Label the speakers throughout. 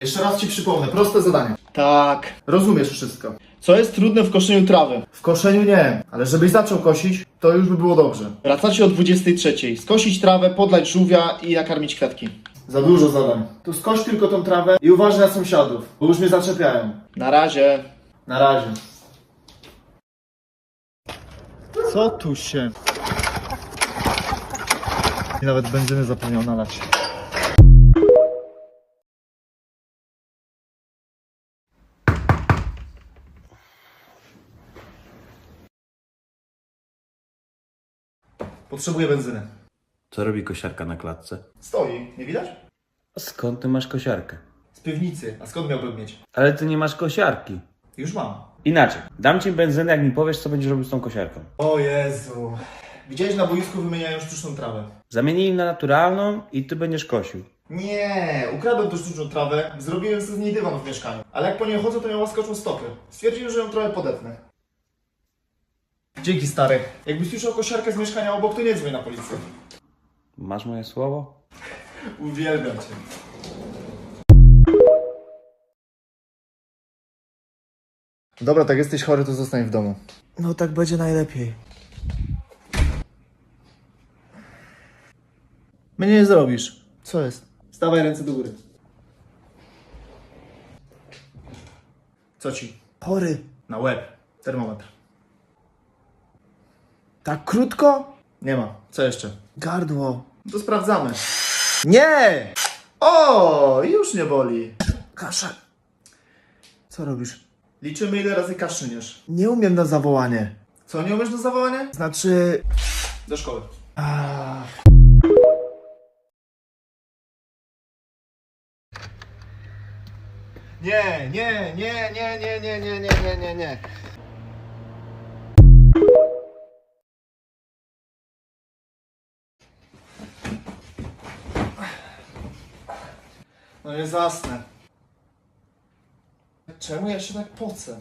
Speaker 1: Jeszcze raz ci przypomnę, proste zadanie.
Speaker 2: Tak.
Speaker 1: Rozumiesz wszystko.
Speaker 2: Co jest trudne w koszeniu trawy?
Speaker 1: W koszeniu nie, ale żebyś zaczął kosić, to już by było dobrze.
Speaker 2: Wracacie o 23. Skosić trawę, podlać żółwia i nakarmić kwiatki.
Speaker 1: Za dużo zadań. To skoś tylko tą trawę i uważaj na sąsiadów, bo już mnie zaczepiają.
Speaker 2: Na razie.
Speaker 1: Na razie.
Speaker 2: Co tu się...
Speaker 1: I nawet benzyny zapomniał nalać. Potrzebuję benzyny.
Speaker 3: Co robi kosiarka na klatce?
Speaker 1: Stoi, nie widać?
Speaker 3: Skąd ty masz kosiarkę?
Speaker 1: Z piwnicy. A skąd miałbym mieć?
Speaker 3: Ale ty nie masz kosiarki.
Speaker 1: Już mam.
Speaker 3: Inaczej, dam ci benzynę, jak mi powiesz, co będziesz robił z tą kosiarką.
Speaker 1: O Jezu. Widziałeś, na boisku wymieniają sztuczną trawę.
Speaker 3: Zamienij im na naturalną i ty będziesz kosił.
Speaker 1: Nie, ukradłem tą sztuczną trawę, zrobiłem sobie z niej dywan w mieszkaniu. Ale jak po niej chodzę, to miała skoczą stopy. Stwierdziłem, że ją trochę podetnę. Dzięki, stary. Jakbyś słyszał kosiarkę z mieszkania obok, to nie dzwoń na policję.
Speaker 3: Masz moje słowo?
Speaker 1: Uwielbiam cię. Dobra, tak jesteś chory, to zostań w domu.
Speaker 2: No tak będzie najlepiej.
Speaker 1: Mnie nie zrobisz. Co jest? Stawaj ręce do góry. Co ci?
Speaker 2: Chory.
Speaker 1: Na łeb. Termometr.
Speaker 2: Tak krótko?
Speaker 1: Nie ma. Co jeszcze?
Speaker 2: Gardło.
Speaker 1: To sprawdzamy. Nie! O, już nie boli.
Speaker 2: Kaszel. Co robisz?
Speaker 1: Liczymy, ile razy kaszlniesz.
Speaker 2: Nie umiem na zawołanie.
Speaker 1: Co, nie umiesz do zawołania?
Speaker 2: Znaczy...
Speaker 1: Do szkoły. Nie, nie, nie, nie, nie, nie, nie, nie, nie, nie, nie. No nie zasnę. Czemu ja się tak pocę?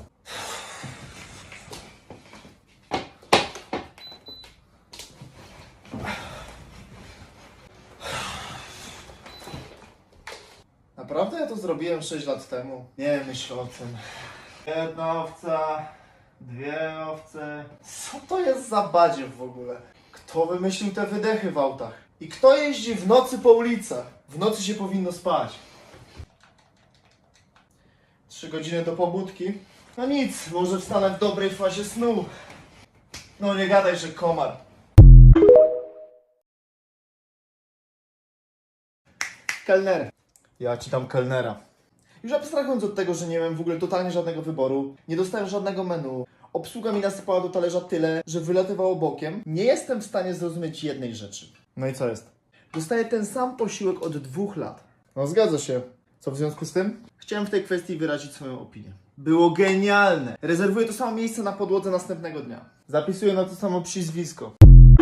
Speaker 1: Naprawdę ja to zrobiłem 6 lat temu? Nie myśl o tym. Jedna owca, dwie owce. Co to jest za badziew w ogóle? Kto wymyślił te wydechy w autach? I kto jeździ w nocy po ulicach? W nocy się powinno spać. 3 godziny do pobudki? No nic, może wstanę w dobrej fazie snu. No nie gadaj, że komar. Kelner. Ja ci dam kelnera. Już abstrahując od tego, że nie miałem w ogóle totalnie żadnego wyboru, nie dostałem żadnego menu, obsługa mi nasypała do talerza tyle, że wylatywało bokiem, nie jestem w stanie zrozumieć jednej rzeczy. No i co jest? Dostaję ten sam posiłek od 2 lat. No zgadza się. Co w związku z tym? Chciałem w tej kwestii wyrazić swoją opinię. Było genialne! Rezerwuję to samo miejsce na podłodze następnego dnia. Zapisuję na to samo przyzwisko.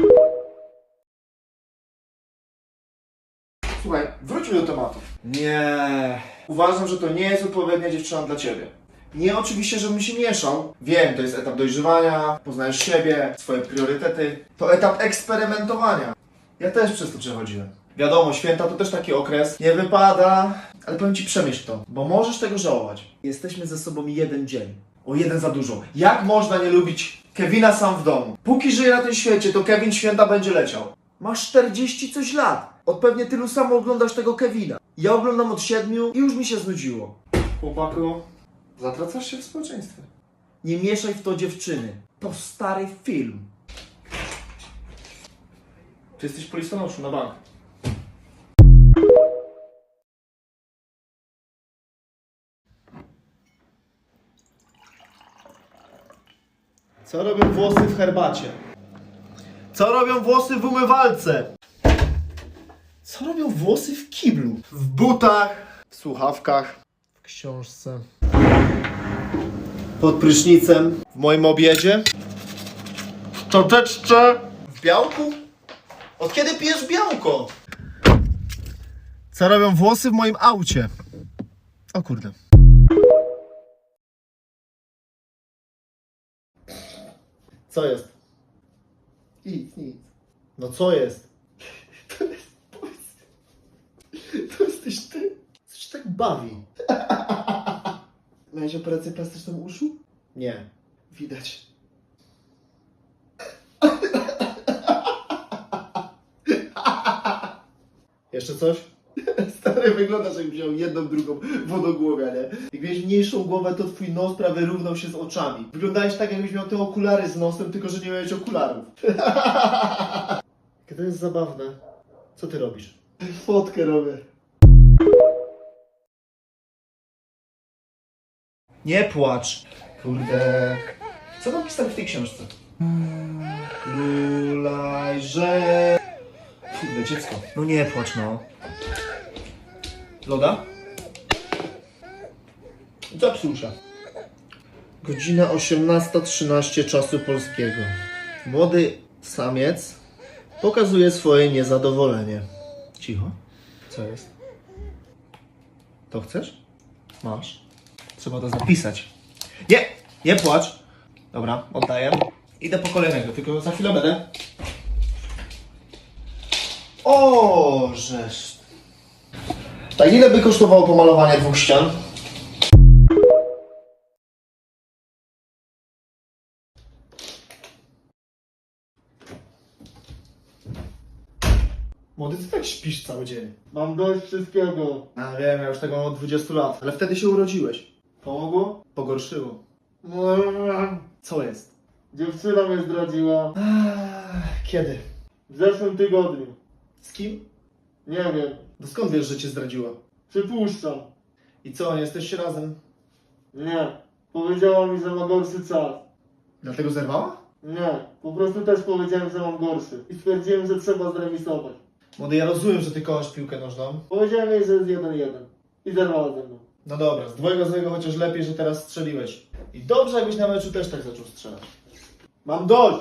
Speaker 1: Słuchaj, wróćmy do tematu. Nie. Uważam, że to nie jest odpowiednia dziewczyna dla ciebie. Nie oczywiście, żebym się mieszał. Wiem, to jest etap dojrzewania, poznajesz siebie, swoje priorytety. To etap eksperymentowania. Ja też przez to przechodziłem. Wiadomo, święta to też taki okres. Nie wypada, ale powiem ci, przemyśl to, bo możesz tego żałować. Jesteśmy ze sobą 1 dzień. O 1 za dużo. Jak można nie lubić Kevina sam w domu? Póki żyje na tym świecie, to Kevin święta będzie leciał. Masz 40 coś lat. Od pewnie tylu samo oglądasz tego Kevina. Ja oglądam od 7 i już mi się znudziło. Chłopaku, zatracasz się w społeczeństwie. Nie mieszaj w to dziewczyny. To stary film. Ty jesteś po listonoszu na bank. Co robią włosy w herbacie? Co robią włosy w umywalce? Co robią włosy w kiblu? W butach, w słuchawkach, w książce, pod prysznicem, w moim obiedzie, w czoteczce, w białku? Od kiedy pijesz białko? Co robią włosy w moim aucie? O kurde. Co jest? Nic, nic. No co jest? To jesteś ty? Coś się tak bawi. Miałeś operację plastyczną uszu? Nie. Widać. Jeszcze coś? Stary, wyglądasz jakbyś miał jedną, drugą wodogłowia, nie? Jak miałeś mniejszą głowę, to twój nos prawie równał się z oczami. Wyglądałeś tak, jakbyś miał te okulary z nosem, tylko że nie miałeś okularów. Jakie to jest zabawne. Co ty robisz? Fotkę robię. Nie płacz. Kurde. Co tam pisali w tej książce? Królajże. Kurde, dziecko. No nie płacz, no. Loda? Zepsuł się. Godzina 18:13 czasu polskiego. Młody samiec pokazuje swoje niezadowolenie. Cicho. Co jest? To chcesz? Masz. Trzeba to zapisać. Nie! Nie płacz! Dobra, oddaję. Idę po kolejnego, tylko za chwilę będę. O, żeż. Tak, ile by kosztowało pomalowanie 2 ścian? Młody, ty tak śpisz cały dzień. Mam dość wszystkiego. A wiem, ja już tego mam od 20 lat. Ale wtedy się urodziłeś. Pomogło? Pogorszyło. Co jest?
Speaker 4: Dziewczyna mnie zdradziła
Speaker 1: Kiedy?
Speaker 4: w zeszłym tygodniu.
Speaker 1: Z kim?
Speaker 4: Nie wiem,
Speaker 1: No skąd wiesz, że cię zdradziła?
Speaker 4: przypuszczam.
Speaker 1: I co, nie jesteście razem?
Speaker 4: Nie. Powiedziała mi, że ma gorszy czas.
Speaker 1: Dlatego zerwała?
Speaker 4: Nie. Po prostu też powiedziałem, że mam gorszy. I stwierdziłem, że trzeba zremisować.
Speaker 1: Młody, ja rozumiem, że ty kochasz piłkę nożną.
Speaker 4: Powiedziałem jej, że jest 1-1. I zerwała ze mną.
Speaker 1: No dobra, z 2-0 chociaż lepiej, że teraz strzeliłeś. I dobrze, jakbyś na meczu też tak zaczął strzelać.
Speaker 4: Mam dość!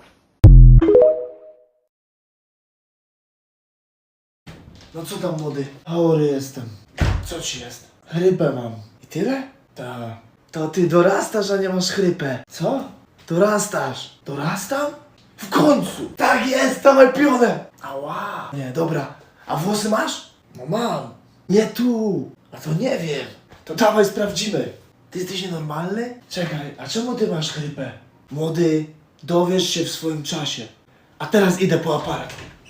Speaker 1: No co tam, młody? Chory jestem. Co ci jest? Chrypę mam. I tyle? Tak. To ty dorastasz, a nie masz chrypę. Co? Dorastasz. Dorastam? W końcu! Tak jest, dawaj pionę! Ała! Nie, dobra. A włosy masz? No mam. Nie tu. A to nie wiem. To dawaj sprawdzimy. Ty jesteś nienormalny? Czekaj, a czemu ty masz chrypę? Młody, dowiesz się w swoim czasie. A teraz idę po aparat.